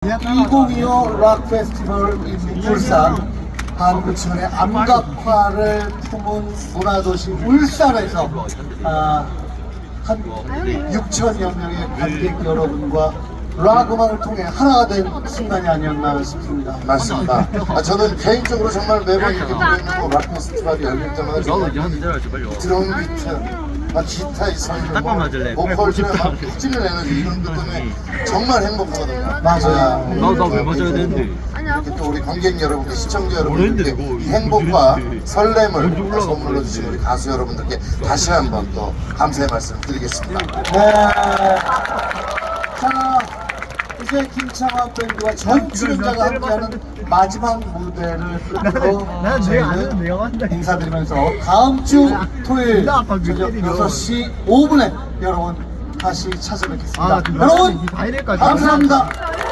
2025 락 페스티벌 in 울산, 한국천의 암각화를 품은 문화도시 울산에서 한 6천여 명의 관객 여러분과 락 음악을 통해 하나가 된 순간이 아니었나 싶습니다. 맞습니다. 저는 개인적으로 정말 매번 이렇게 보는 락 페스티벌이 열릴 때마다 정말 드럼 비트, 기타의 선율, 보컬들의 막 터지는 에너지 이런 것 때문에 정말 행복하거든요. 맞아요. 나왜 맞아야 되는데? 이렇게 또 우리 관객 여러분께, 시청자 여러분들께 이 행복과 설렘을 선물로 주신 우리 가수 여러분들께 다시 한번 또 감사의 말씀 드리겠습니다. 네. 자, 이제 김창완 밴드와 전 출연자가 함께하는 마지막 무대를 끝으로 저희는 인사드리면서 다음 주 토요일 저녁 6시 5분에 여러분 다시 찾아뵙겠습니다. 여러분 감사합니다.